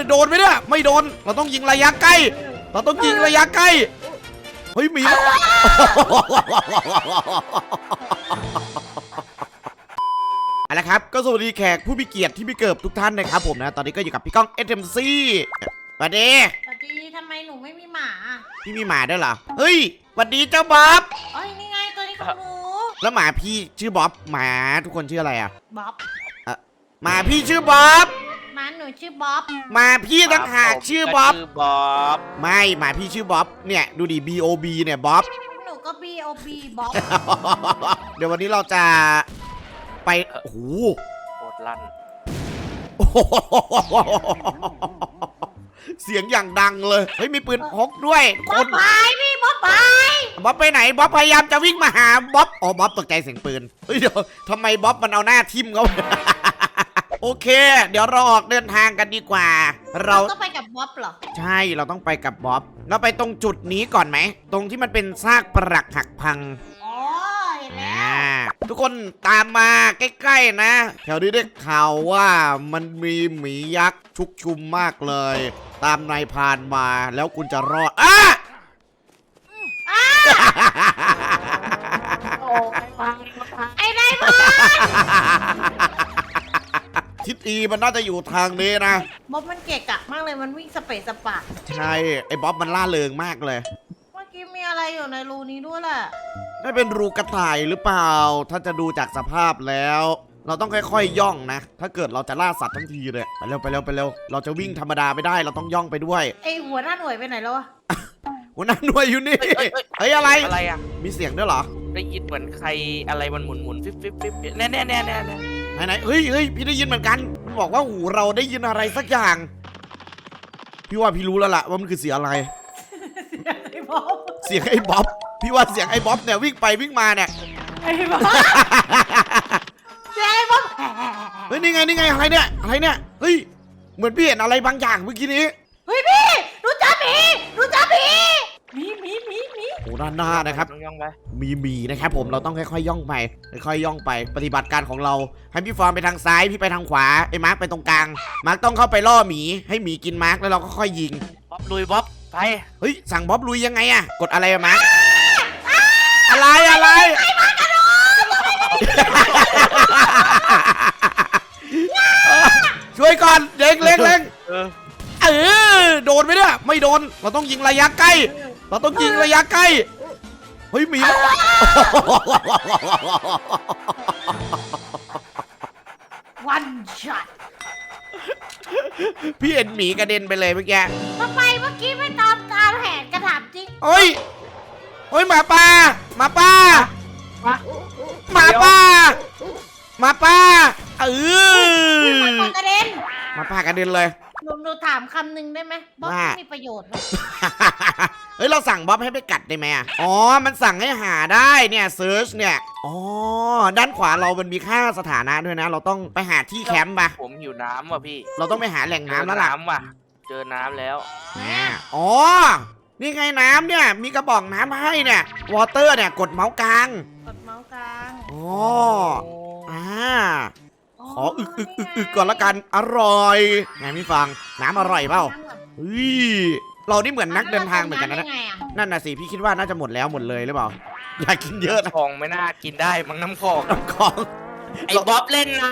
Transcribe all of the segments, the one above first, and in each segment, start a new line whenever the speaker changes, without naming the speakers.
โดนไหมเนี่ยไม่โดนเราต้องยิงระยะใกล้เราต้องยิงระยะใกล้เฮ้ยหมีเอาละครับก็สวัสดีแขกผู้มีเกียรติที่มีเกิดทุกท่านนะครับผมนะตอนนี้ก็อยู่กับพี่ก้อง SMC สวัสดี
ทำไมหนูไม่มีหมา
พี่มีหมาด้วยเหรอเฮ้ยสวัสดีเจ้าบ๊อบ
อ๋อนี่ไงตัวนี้ของหนู
แล้วหมาพี่ชื่อบ๊อบหมาทุกคนชื่ออะไรอ่ะ
บ๊อบ
หมาพี่ชื่อบ๊อบ
หมาหนูชื่อบ๊อบ
หมาพี่ต่างหากชื่อบ๊อบ
บ
ไม่หมาพี่ชื่อบ๊อบเนี่ยดูดิ BOB เนี่ยบ๊อบ
หนูก็ BOB บ๊อบ
เดี๋ยววันนี้เราจะไปโอ้โห
โคตรลั่น
เสียงอย่างดังเลยเฮ้ยมีปืนพกด้วย
บ๊อบไปพี่บ๊อบไป
บ๊อบไปไหนบ๊อบพยายามจะวิ่งมาหาบ๊อบอ๋อบ๊อบตกใจเสียงปืนเฮ้ยเดี๋ยวทำไมบ๊อบมันเอาหน้าทิ่มเขาโอเคเดี๋ยวเราออกเดินทางกันดีกว่าเรา
ต้องไปกับบ๊อบเหรอ
ใช่เราต้องไปกับบ๊อบเราไปตรงจุดนี้ก่อนไหมตรงที่มันเป็นซากปรักหักพัง
เห็นแล้ว
ทุกคนตามมาใกล้ๆนะแถวนี้ได้ข่าวว่ามันมีหมียักษ์ชุกชุมมากเลยตามนายพรานมาแล้วคุณจะรอด
ไอ้นายพราน
ทิศอีมันน่าจะอยู่ทางนี้นะ
บ๊อบมันเกะกะมากเลยมันวิ่งสเปซสปะ
ใช่ไอ้บ๊อบมันล่าเริงมากเลย
เมื่อกี้มีอะไรอยู่ในรูนี้ด้วยแหละ
ได้เป็นรูกระต่ายหรือเปล่าถ้าจะดูจากสภาพแล้วเราต้องค่อยๆย่องนะถ้าเกิดเราจะล่าสัตว์ทั้งทีเลยไปเร็วไปเร็วไปเร็วเราจะวิ่งธรรมดาไม่ได้เราต้องย่องไปด้วย
ไอหัวหน้าหน่วยไปไหนแล้ววะ
หัวหน้าหน่วยอยู่นี่เฮ้ยอะไร
อ่ะ
มีเสียงด้วยเหรอ
ได้ยินเหมือนใครอะไรมันหมุนฟิบแน่
ไหนเฮ้ยพี่ได้ยินเหมือนกันมันบอกว่าหูเราได้ยินอะไรสักอย่างพี่ว่าพี่รู้แล้วล่ะว่ามันคือเสียงอะไรเสียงไอ้บ๊อบพี่ว่าเสียงไอ้บ๊อบเนี่ยวิ่งไปวิ่งมาเนี่ย
ไอ้บ๊อบเสียงไอ้บ๊อบ
เฮ้ยนี่ไงอะไรเนี่ยเฮ้ยเหมือนพี่เห็นอะไรบางอย่างเมื่อกี้นี้
เฮ้ยพี่รู้จักหมี
โอ้ด้านหน้านะครับมีหมีนะครับผมเราต้องค่อยๆย่องไปปฏิบัติการของเราให้พี่ฟอร์มไปทางซ้ายพี่ไปทางขวาไอ้มาร์คไปตรงกลางมาร์คต้องเข้าไปล่อหมีให้หมีกินมาร์คแล้วเราก็ค่อยยิง
บ๊อบลุยบ๊อบไป
เฮ้ยสั่งบ๊อบลุยยังไงอะกดอะไรอะมาร์คอะไรช่วยก่อนเล็งโดนไหมเนี่ยไม่โดนเราต้องยิงระยะใกล้เฮ้ยหมี
วันช็อต
พี่เห็นหมีกระเด็นไปเลยเมื่อกี้
ทำไมเมื่อกี้ไม่ตามแผนกระถามจริง
เฮ้ยหมาป่าหมาป่า
กระเด็น
หมาป่ากระเด็นเลย
หนูถามคำหนึ่งได้ไหมบ๊อบมีประโยชน์ไหม
เฮ้ยเราสั่งบ๊อบให้ไปกัดได้ไหมอ๋อมันสั่งให้หาได้เนี่ยเซิร์ชเนี่ยอ๋อด้านขวาเรามันมีค่าสถานะด้วยนะเราต้องไปหาที่แคมป์ป่ะ
ผมหิวน้ำว่ะพี่
เราต้องไปหาแหล่งน้ำแล้วล่ะ
เจอน้ำแล้ว
อ๋อนี่ไงน้ำเนี่ยมีกระบอกน้ำให้เนี่ยวอเตอร์เนี่ยกดเมาส์กลางอ๋อขออึกก่อนละกันอร่อยไงพี่ฟังน้ำอร่อยเปล่าเรานี่เหมือนนักเดินทางเหมือนกันนะนั่นน่ะสิพี่คิดว่าน่าจะหมดเลยหรือเปล่าอยากกินเยอะนะ
ของไม่น่ากินได้มั้งน้ำของไอ้บ๊อบเล่นนะ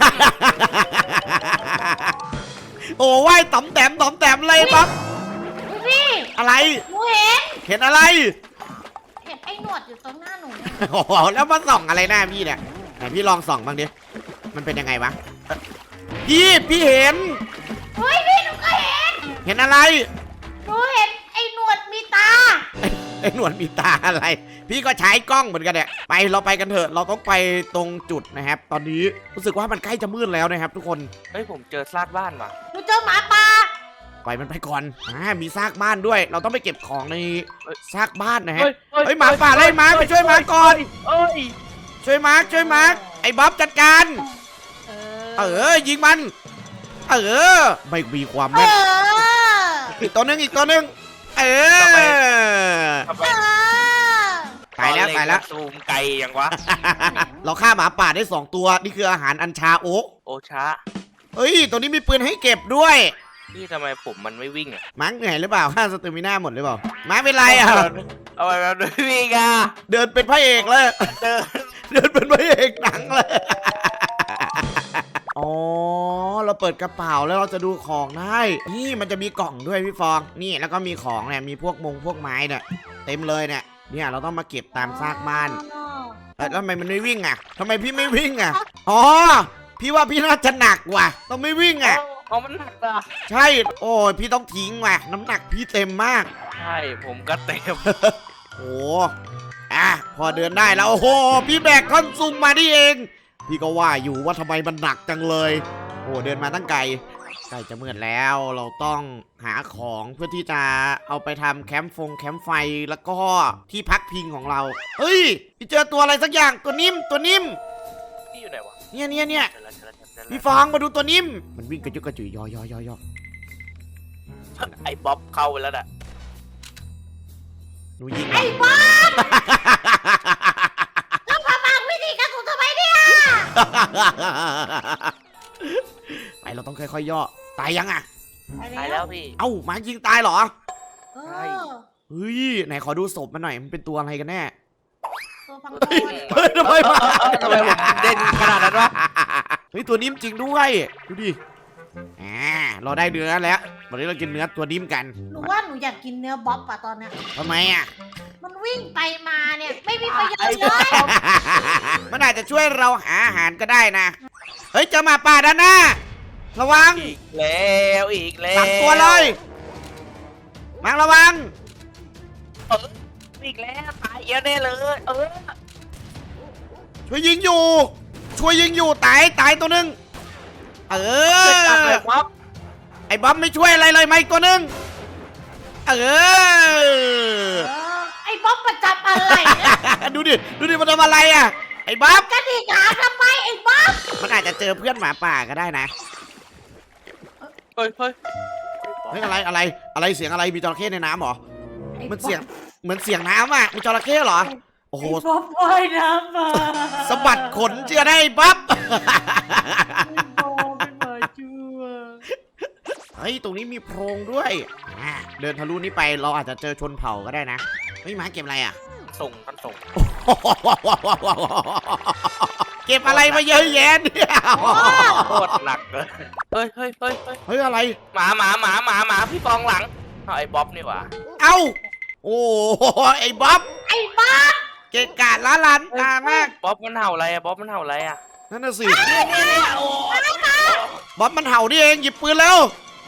โอ้ว่ายต่อมแต้มเลยบ๊อบ
พี่
อะไรเห็นอะไร
เห็นไอ้หนวดอยู่ตรงหน้าหนู
โอ้โหแล้วมาส่องอะไรหน้าพี่เนี่ยไหนพี่ลองส่องบ้างดิมันเป็นยังไงวะพี่เห็น
เฮ้ยพี่หนูก็
เห็นอะไร
หนูเห็นไอ้หนวดมีตา
ไอ้หนวดมีตาอะไรพี่ก็ใช้กล้องเหมือนกันเนี่ยเราไปกันเถอะเราต้องไปตรงจุดนะครับตอนนี้รู้สึกว่ามันใกล้จะมืดแล้วนะครับทุกคน
เฮ้ยผมเจอซากบ้านว่ะ
หนูเจอหมาป่า
ปล่อยมันไปก่อนมีซากบ้านด้วยเราต้องไปเก็บของในซากบ้านนะฮะเฮ้ยหมาป่าไล่มาไปช่วยมาก่อนช่วยมาไอ้บ๊อบจัดการยิงมันไม่มีความแม่นอีกตัวนึงตายแล้ว
ซูมไกลยังวะ
เราฆ่าหมาป่าได้2ตัวนี่คืออาหารอัญชาโอชา
เฮ้
ยตัวนี้มีปืนให้เก็บด้วย
พี่ทำไมผมมันไม่วิ่งอ่ะ
มาร์คเหนื่อยหรือเปล่าค่าสเตมิน่าหมดหรือเปล่ามาร์คเป็นไรอ่ะ
เอาไปแบบไม่วิ่งอ่ะ
เดินเป็นพระเอกเลย
เดิน
เดินเป็นพระเอกหนังเลย อ๋อ เราเปิดกระเป๋าแล้วเราจะดูของได้ นี่มันจะมีกล่องด้วยพี่ฟอง นี่แล้วก็มีของเนี่ย มีพวกพวกไม้เนี่ยเต็มเลยเนี่ย เนี่ยเราต้องมาเก็บตามซากบ้านแล้วทำไมมันไม่วิ่งอ่ะทำไมพี่ไม่วิ่งอ่ะ อ๋อ พี่ว่าพี่น่าจะหนักว่ะ ต้องไม่วิ่งอ่ะ
เอามันหนักอ่ะ
ใช่ โอ้ยพี่ต้องทิ้งว่ะ น้ำหนักพี่เต็มมาก
ใช่ผมก็เต็ม
โอ้อ่ะพอเดินได้แล้ว โอ้โห พี่แบกท่อนซุงมานี่เอง พี่ก็ว่าอยู่ว่าทำไมมันหนักจังเลย โอ้เดินมาตั้งไกลใกล้จะมืดแล้ว เราต้องหาของเพื่อที่จะเอาไปทำแคมป์ไฟแล้วก็ที่พักพิงของเรา เฮ้ย พี่เจอตัวอะไรสักอย่างตัวนิ่ม
พี่อยู่ไหนวะ
เนี่ย
เจอแล้ว
พี่ฟองมาดูตัวนิ่ม มันวิ่งกระจุกกระจุยย่อ
ไอ้บ๊อบเข้าไปแล้วน่ะ
หนูยิง
ไอ้บ้าแล้วพามาวิธีการของทำไมเนี่ย
ไปเราต้องค่อยๆย่อ ตายยังอ่ะ
ตายแล้วพี่
เอ้าหมายิงตายเหรอ
เอ
ใช่
อ
เฮ้ยไหนขอดูศพมันหน่อยมันเป็นตัวอะไรกันแน่
ตัวพัง
เฮ้ย
โคน
เฮ้ยทำไมมา
ทำไมผมเด่นขนาดนั้นวะ
เฮ้ยตัวนิ่มจริงด้วยดูดิเราได้เนื้อแล้ววันนี้เรากินเนื้อตัวนิ่มกัน
หนูว่าหนูอยากกินเนื้อบ๊อบอะตอนเนี้ย
ทำไมอ่ะ
มันวิ่งไปมาเนี่ยไม่มีประโยชน์เลย
มันอาจจะช่วยเราหาอาหารก็ได้นะเฮ้ยเจอหมาป่าด้านหน้าระวัง
อีกแล้วอีกแล้ว
สามตัวเลยมังระวัง
อีกแล้วตายเยอะแน่เลย
ช่วยยิงอยู่ตายตัวหนึ่งเอ
เกิดจาก
อ
อะไรวะ
ไอ้บ๊อบไม่ช่วยอะไรเลยไหมาอีกตัวหนึ่งเออ
ไอ้บ๊อบประจับอะไรเนี่ย
ดูดิมันทำอะไรอ่ะไอ้บ๊อบ
กระดิกหางทำไมไอ้บ๊อบ
มันอาจจะเจอเพื่อนหมาป่าก็ได้นะ
เฮ้ย
เฮ้ยอะไรเสียงอะไรมีจระเข้ในน้ำเหรอมันเสียงเหมือนเสียงน้ำอ่ะมีจระเข้เหรอโอ้โห
ไอ้บ๊อบว่ายน้ำมา
สะบัดขนเชื่อได้ไอ้บ๊อบ
ไอ้บ๊อบเป็นหมาชั่ว
เฮ้ยตรงนี้มีโพรงด้วยเดินทะลุนี้ไปเราอาจจะเจอชนเผ่าก็ได้นะเฮ้ยหมาเก็บอะไรอ่ะ
ส่ง
เก็บอะไรมาเยอะแยะเนี่ย
โคตรหนักเลยเฮ้ย
เฮ้ยอะไร
หมาพี่ฟองหลังเอาไอ้บ๊อบนี่หว่า
เอ้าโอ้ไอ้บ๊อบ
ไอ้บ๊อบ
เกะกะล้าลันตามาก
บ๊อบมันเห่าอะไรอะบ๊อบมันเห่าอะไรอะ
นั่นน่ะสิ
เนี่ยโอ้
บ๊อบมันเห่านี่เองหยิบปืนแล้ว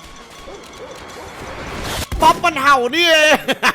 บ๊อบมันเห่านี่เอง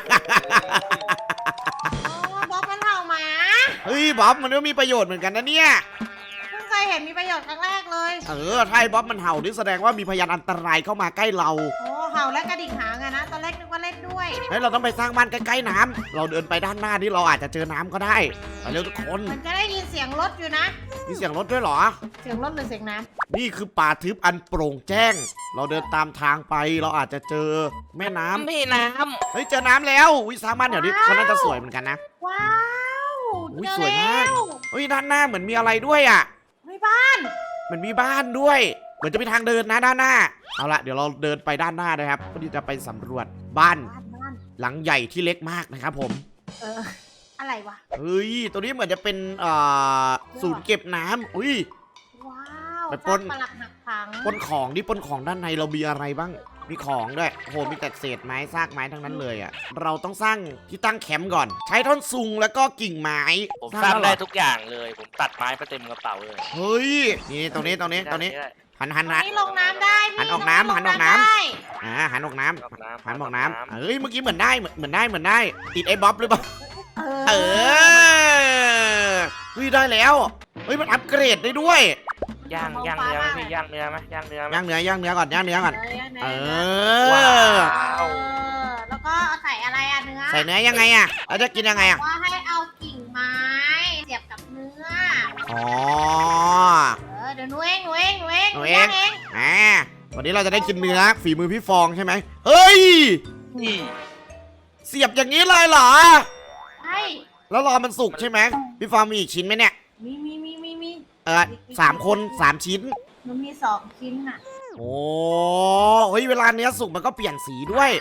บ๊อบมันเห่าหมา
เฮ้ยบ๊อบมันก็มีประโยชน์เหมือนกันนะเนี่ย
เพิ่งเคยเห็นมีประโยชน์ครั้งแรกเลย
ถ้าไอ้บ๊อบมันเห่านี่แสดงว่ามีพยานอันตรายเข้ามาใกล้เรา
โอ้เห่าและกระดิ่งหางอะนะตอนแรกนึกว่าเล่นด้วย
เฮ้ยเราต้องไปสร้างบ้านใกล้ๆน้ำเราเดินไปด้านหน้านี่เราอาจจะเจอน้ำก็ได้ไปเร็วทุกคน
มันจะได้ยินเสียงรถอยู่นะ
มีเสียงรถด้วยเหรอ
เสียงรถหรือเสียงน้
นี่คือป่าทึบอันโปร่งแจ้ง เราเดินตามทางไปเราอาจจะเจอแม่น้ำ
พี่น้
เฮ้ยเจอน้ำแล้ววิสร้างบ้านเดี๋ยวนี้ก็น่าจะสวยเหมือนกันนะ
ำว้าว
อุ๊ย
เจอ
สวยมาก
แล้ว
เฮ้ยด้านหน้าเหมือนมีอะไรด้วยอ่ะ
ไม่บ้าน
เหมือนมีบ้านด้วย เหมือนจะมีทางเดินนะด้านหน้าเอาละเดี๋ยวเราเดินไปด้านหน้านะครับเพื่อที่จะไปสำรวจบ้าน
บ้าน
หลังใหญ่ที่เล็กมากนะครับผม
อะไรวะ
เฮ้ยตัวนี้เหมือนจะเป็นศูนย์เก็บน้ำอุ้ย
ว้าว
ไปปล้น
ซากปลักหักพัง
ปนของดิปนของด้านในเรามีอะไรบ้าง มีของด้วยโอ้โหมีแต่เศษไม้ซากไม้ทั้งนั้นเลยอ่ะเราต้องสร้างที่ตั้งแคมป์ก่อน ใช้ท่อนซุงแล้วก็กิ่งไม้
ำผมสร้าง
แล้วเห
ได้
อ
ทุกอย่างเลย ผมตัดไม้ไปเต็มกระเป๋าเลย
เฮ้ยนี่ตรงนี้หัน
อันนี้ลงน้ำได้พี่
หันออกน้ำ
ตรง
หันออกน้ำ
ได้
หันออกน้ำ
ออกน้ำ
หันออกน้ำเฮ้ยเมื่อกี้เหมือนได้ติดไอ้บ๊อบหรือเปล่า
เอ
เออเฮ้ยได้แล้วเฮ้ยมันอัปเกรดได้ด้วย
ย่างเนื้อไหมพี่ย่างเนื้อไหมย่างเนื้อไหม
ย่างเนื้อก่อนเอ
ว้า
อ
ว
แล้วก็ใส่อะไรอะเนื้อ
ใส่เนื้อยังไงอ่ะเราจะกินยังไงอ่ะ
ว่าให้เอากิ่งไม้เสียบกับเนื้อ
อ๋อ
เดี๋ยวหนูเอง
หนูเอง
ย่างเอง
วันนี้เราจะได้กินเนื้อฝีมือพี่ฟองใช่ไหมเฮ้ย
นี่
เสียบอย่างนี้เลยเหรอ
ใช่
แล้วรอมันสุกใช่ไหมพี่ฟองมีอีกชิ้นไหมเนี่ย
มี
3 คน 3 ชิ้น
มันมี2 ชิ้นน่ะ
โอ้เฮ้ยเวลาเนื้อสุกมันก็เปลี่ยนสีด้วย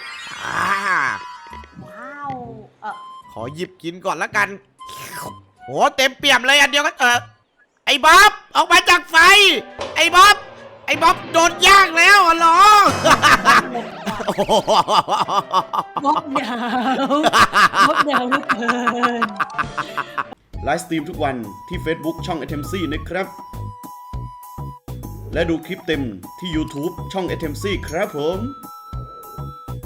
ว้าว
ขอหยิบกินก่อนละกันโหเต็มเปี่ยมเลยอันเดียวก็ไอ้บ๊อบออกมาจากไฟไอ้บ๊อบโดนย่างแล้วเหรอ
มดหนาวมดหนาวเหลือเกิน
ไลฟ์สตรีมทุกวันที่ Facebook ช่อง ATMC นะครับ และดูคลิปเต็มที่ YouTube ช่อง ATMC ครับผม